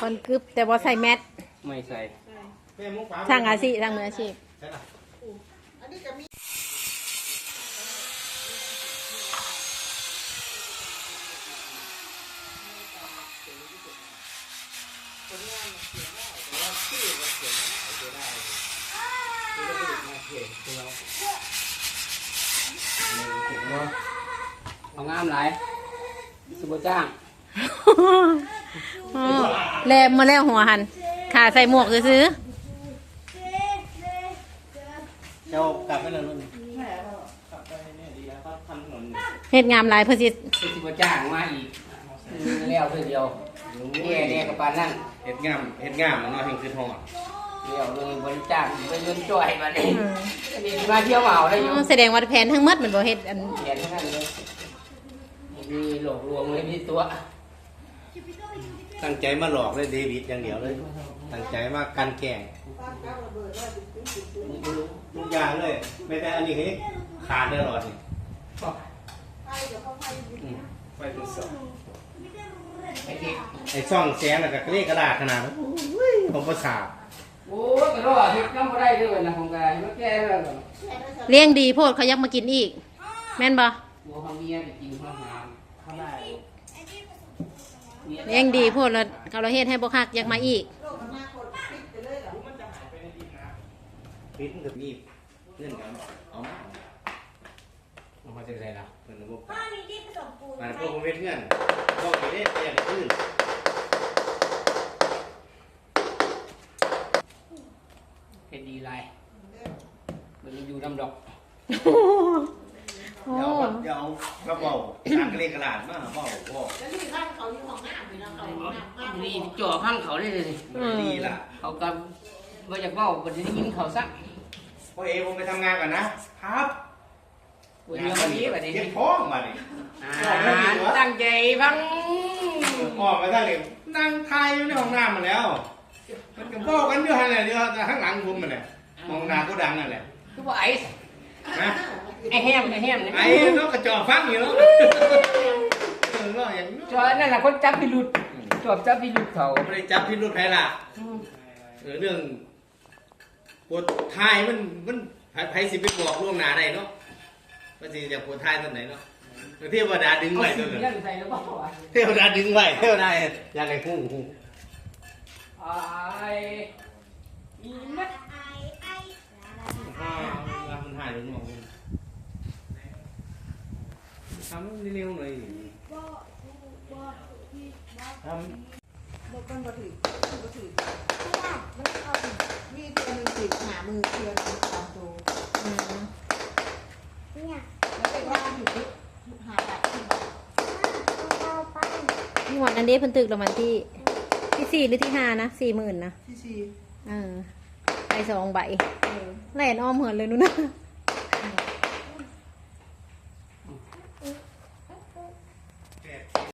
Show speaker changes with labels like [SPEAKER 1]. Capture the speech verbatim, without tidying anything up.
[SPEAKER 1] คนกึบแต่บ่ใส่แมส
[SPEAKER 2] ไม่ใส่
[SPEAKER 1] ทางอาชีพทางมืออาชีพ
[SPEAKER 2] เอางามหลายสุบจ้าง
[SPEAKER 1] แลมมาแล้วหัวหันขาใส่หมวกซื้อ
[SPEAKER 2] เจ้ากลับไปเลยรุ่นกลับไปเนี่ยดีแล้วก็ทำถนน
[SPEAKER 1] เฮ็ดงามหลายเพื่อสิ
[SPEAKER 2] สุบจ้างมาอีกแล้วเพื่อเดียวแย่แย่กับปานนั่น
[SPEAKER 3] เฮ็ดงามเฮ็ดงามมันเนาะเห็นคือทอด
[SPEAKER 2] เดี๋ยวเลยบริจาคไปเงินช่วยมาเนี่ยนี่มาเที่ยวเหมาได้อยู่
[SPEAKER 1] แสดงว่าแผนทั้งหมดมันบ่เฮ็ดอัน
[SPEAKER 2] แผนทั้งนั้นเลยมีหลอกลวงเลยมีตัว
[SPEAKER 3] ตั้งใจมาหลอกเลยเดวิดอย่างเดียวเลยตั้งใจมากันแกล้งทุกอย่างเลยไม่แต่อันนี้เฮ้ยขาดได้หรอนี่ไฟเป็นสองไอ้ช่องแสงแล้วก็เรียกกระดาษขนาดนั้นผมประสาท
[SPEAKER 2] โอ้ยกระโดดเฮ็ดน้ำบ่ได้ด้วยนะของกายมันแก่แล้ว
[SPEAKER 1] เลี้ยงดีโพดเขายักมากินอีกแม่นบ่
[SPEAKER 2] หัวของเมียไปกินข้าวหามข้าวได้
[SPEAKER 1] เลี้ยงดีโพดแล้วเขาเราเฮ็ดให้บ่คักยักมาอีก
[SPEAKER 3] ปิดกับมีเพื่อนกันเอามา
[SPEAKER 2] เอามาจากไหนล่ะ
[SPEAKER 3] เพื่อนพวกมันพวกผมเป็นเพื่อนพวกนี้ได้เปลี่ยนอื่น
[SPEAKER 2] เป็นดีไรมันอยู่น้ำดอก
[SPEAKER 3] เดี๋ยวเดี๋ยวกระเป๋าตั้งเรียกกระดาษมาเป๋าพ่อ
[SPEAKER 4] แล้วที่ข้างเขาอยู่ของหน้าไปแล้วเขาอยู่หน้า
[SPEAKER 2] นี่จ่อข้างเขาได้เลย
[SPEAKER 3] ดีล่ะ
[SPEAKER 2] เขากำว่าจะเมาวันนี้ยิ้มเขาซัก
[SPEAKER 3] พ่อเอผมไปทำงานก่อนนะครับ
[SPEAKER 2] วันนี้วันนี้วันนี้
[SPEAKER 3] เก็บท้องมาเลย
[SPEAKER 2] ตั้งใจพัง
[SPEAKER 3] ออกมาตั้งเลยนั่งทายอยู่ในห้องน้ำมาแล้วมันก็บอกกันอยู่หันเลยเดี๋ยวข้างหลังผมมันเลยห้องน้ำก็ดังนั่นแหละ
[SPEAKER 2] คือว่าไอ้
[SPEAKER 3] นะ
[SPEAKER 2] ไอ้แฮมไอ้แฮม
[SPEAKER 3] ไอ้นกกระจอกฟังอยู่แล้วเออก็อย่าง
[SPEAKER 2] จอนั่นแหละคนจับพิรุษจอบจับพิรุษเขา
[SPEAKER 3] ไม่ได้จับพิรุธใครล่ะเออเรื่องปวดทายมันมันไผสิไปบอกล่วงหน้าได้เนาะว่าสิจะปวดทายตอนไหนเนาะเทวดาดึงไว้ตัวนึงเทวดาดึงไว้เทวดาอยากให้ฮู้ฮู้
[SPEAKER 2] ไอ้อีนัด
[SPEAKER 3] อ่ามันหายไปหมดทำเร็วๆหน่อยทำ
[SPEAKER 4] บอกกันบ่ถือบ่ถือเพราะว่ามันเอามีตัวหนึ่งติดหามือเทียนสองตัวเนี่ยแล้วไปว่าอยู่ที่หาแบบที่บอก
[SPEAKER 1] นี่หวัดอันเด้เพิ่นตึกรางวัลที่ที่สี่หรือที่ห้านะสี่หมื่นนะ
[SPEAKER 4] ที่สี่
[SPEAKER 1] เออใบสองใบแหลนอ้อมเหินเลยนู้นนะ